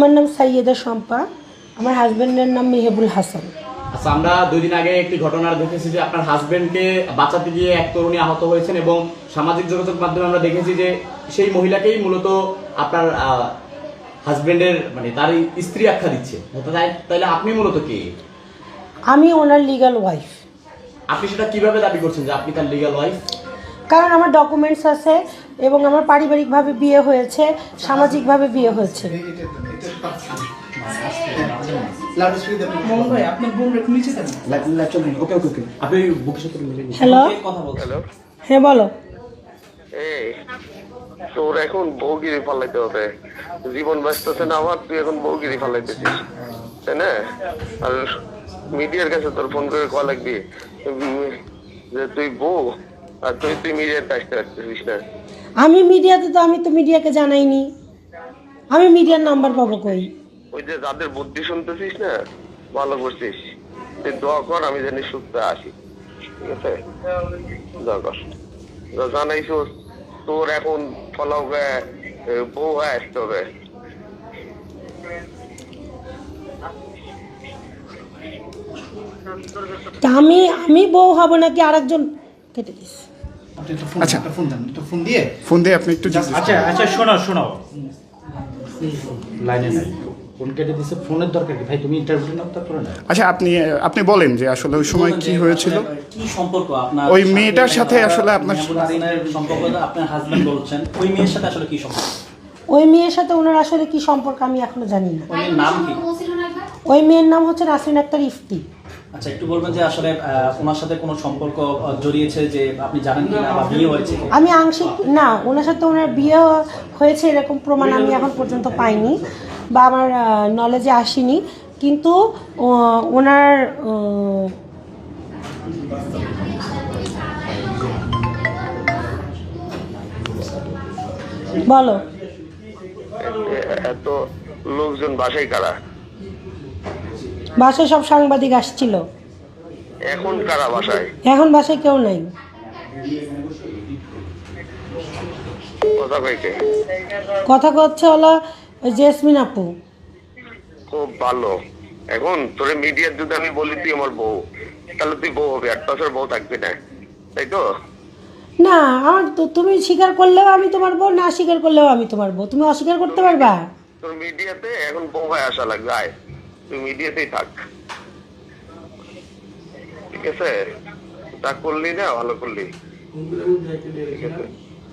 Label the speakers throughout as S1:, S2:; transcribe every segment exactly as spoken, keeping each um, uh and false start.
S1: আমার নাম সাইয়েদা শম্পা, আমার হাজবেন্ডের নাম মেহেবুল হাসান।
S2: আচ্ছা, আমরা দুই দিন আগে একটি ঘটনা দেখেছি যে আপনার হাজবেন্ডকে বাঁচাতে গিয়ে এক তরুণী আহত হয়েছেন এবং সামাজিক যোগাযোগ মাধ্যমে আমরা দেখেছি যে সেই মহিলাকেই মূলত আপনার হাজবেন্ডের মানে তার স্ত্রী আখ্যা দিচ্ছে। তাহলে আপনি মূলত কে?
S1: আমি ওনার লিগ্যাল ওয়াইফ।
S2: আপনি সেটা কিভাবে দাবি করছেন যে আপনি তার লিগ্যাল ওয়াইফ?
S1: কারণ আমার ডকুমেন্টস আছে এবং আমার পারিবারিকভাবে বিয়ে হয়েছে, সামাজিকভাবে বিয়ে হয়েছে। হ্যালো, হ্যাঁ বলো।
S3: এই তোর এখন বউগিরি ফালাইতে হবে, জীবন ব্যস্ত আছে না আমার, তুই এখন বউগিরি ফালাইতেছিস তাই না? আর মিডিয়ার কাছে তোর ফোন করে কল লাগবি যে তুই বউ আর তুই তুই মিডিয়ার কাজটা রাখতেছিস না।
S1: আমি মিডিয়াতে তো আমি তো মিডিয়াকে জানাইনি, আমি মিডিয়ার নাম্বার পাবো কই?
S3: ওই যে যাদের বুদ্ধি শুনতেছিস না, ভালো করছিস, তুই দোয়া কর আমি জানি সুস্থ আসি, ঠিক আছে? দোয়া কর, জানাইছো তোর এখন ফলাও বউ হয়ে আসতে হবে।
S1: আমি আমি বউ হব নাকি আরেকজন? কেটে দিস।
S4: আচ্ছা, ফোন দেন, একটু ফোন দিয়ে ফোন দিয়ে আপনি একটু
S5: আচ্ছা আচ্ছা শোনো শোনো লাইনে নাই, ফোন কেটে দিছে, ফোনের দরকার কি ভাই? তুমি ইন্টারভিউ নাও তারপরে না।
S4: আচ্ছা, আপনি আপনি বলেন যে আসলে ওই সময় কি হয়েছিল,
S5: কি সম্পর্ক আপনার
S4: ওই মেয়েটার সাথে? আসলে আপনার
S5: সম্পর্ক, আপনার হাজবেন্ড বলছেন, ওই মেয়ের সাথে আসলে কি সম্পর্ক?
S1: ওই মেয়ের সাথে ওনার আসলে কি সম্পর্ক আমি এখনো জানি না।
S5: ওই মেয়ের নাম কি?
S1: ওই মেয়ের নাম হচ্ছে নাসরিন আক্তার ইফতি।
S5: আচ্ছা, একটু বলবেন যে আসলে ওনার সাথে কোনো সম্পর্ক জড়িয়েছে যে আপনি জানেন কিনা, বা বিয়ে হয়েছে?
S1: আমি আংশিক না, ওনার সাথে ওনার বিয়ে হয়েছে এরকম প্রমাণ আমি এখন পর্যন্ত পাইনি বা আমার নলেজে আসেনি, কিন্তু ওনার বলো
S3: এত লোকজন বাসায় কারা?
S1: বাসায় সব সাংবাদিক আসছিল।
S3: এখন কারা বাসায়?
S1: এখন বাসায় কেউ নাই।
S3: কথা কইকে
S1: কথা হচ্ছে হলো জেসমিন আপু।
S3: খুব ভালো। এখন তোর মিডিয়ার যদি আমি বলি তুই আমার বউ, তাহলে তুই বউ হবে, আর তাছাড়া বউ থাকবি না, তাই তো?
S1: না, আমার তো তুমি স্বীকার করলেও আমি তোমার বউ, না স্বীকার করলেও আমি তোমার বউ। তুমি অস্বীকার করতে পারবা?
S3: তোর মিডিয়াতে এখন বউ হয়ে আসা লাগবে, আয় তুই মিডিয়াতেই থাক, ঠিক আছে? তা করলি না, ভালো করলি, ঠিক আছে?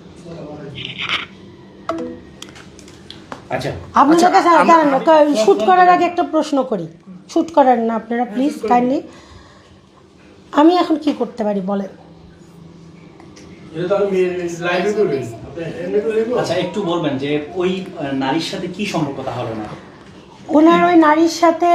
S5: আচ্ছা,
S1: আপনাদের কাছে দাঁড়ান, শুট করার আগে একটা প্রশ্ন করি। শুট করার না আপনারা প্লিজ কাইন্ডলি। আমি এখন কি করতে পারি বলেন?
S5: আচ্ছা, একটু বলবেন যে ওই নারীর সাথে কি সম্পর্ক তাহলে? না,
S1: ওনার ওই নারীর সাথে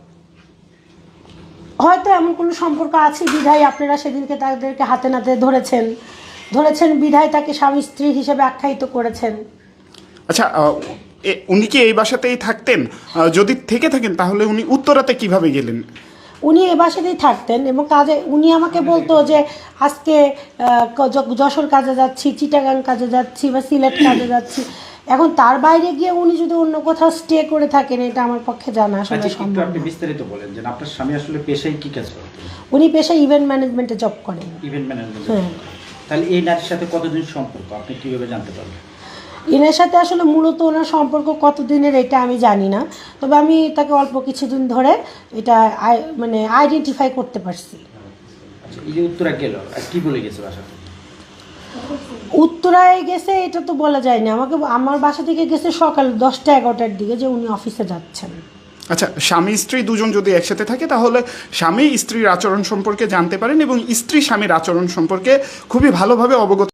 S1: হয়তো এমন কোনো সম্পর্ক আছে বিধায় আপনারা সেদিনকে তাদেরকে হাতে নাতে ধরেছেন ধরেছেন বিধায় তাকে স্বামী স্ত্রী হিসেবে আখ্যায়িত করেছেন।
S4: আচ্ছা, উনি কি এই বাসাতেই থাকতেন? যদি থেকে থাকেন তাহলে উনি উত্তরাতে কিভাবে গেলেন?
S1: উনি এ বাসাতেই থাকতেন এবং কাজে উনি আমাকে বলতো যে আজকে যশোর কাজে যাচ্ছি, চিটাগাং কাজে যাচ্ছি বা সিলেট কাজে যাচ্ছি। এখন তার বাইরে গিয়ে উনি যদি অন্য কোথাও স্টে করে থাকেন, এটা আমার পক্ষে জানা আসলে সম্ভব না।
S5: আপনি বিস্তারিত বলেন যে আপনার স্বামী আসলে পেশায় কি কাজ করেন?
S1: উনি পেশায় ইভেন্ট ম্যানেজমেন্টে জব করেন।
S5: Event management.
S1: হ্যাঁ।
S5: তাহলে এই নারীর সাথে কতদিন সম্পর্ক আপনি কিভাবে জানতে পারবেন?
S1: এনার সাথে আসলে মূলত ওনার সম্পর্ক কতদিনের এটা আমি জানি না, তবে আমি তাকে অল্প কিছুদিন ধরে এটা মানে আইডেন্টিফাই করতে পারছি।
S5: আচ্ছা, এই যে উত্তরা গেল আর কি বলে গেছে বাসা থেকে?
S1: উত্তরায় গেছে এটা তো বলা যায় না আমাকে। আমার বাসা থেকে গেছে সকাল দশটা এগারোটার দিকে যে উনি অফিসে যাচ্ছেন।
S4: আচ্ছা, স্বামী স্ত্রী দুজন যদি একসাথে থাকে তাহলে স্বামী স্ত্রীর আচরণ সম্পর্কে জানতে পারেন এবং স্ত্রী স্বামীর আচরণ সম্পর্কে খুবই ভালোভাবে অবগত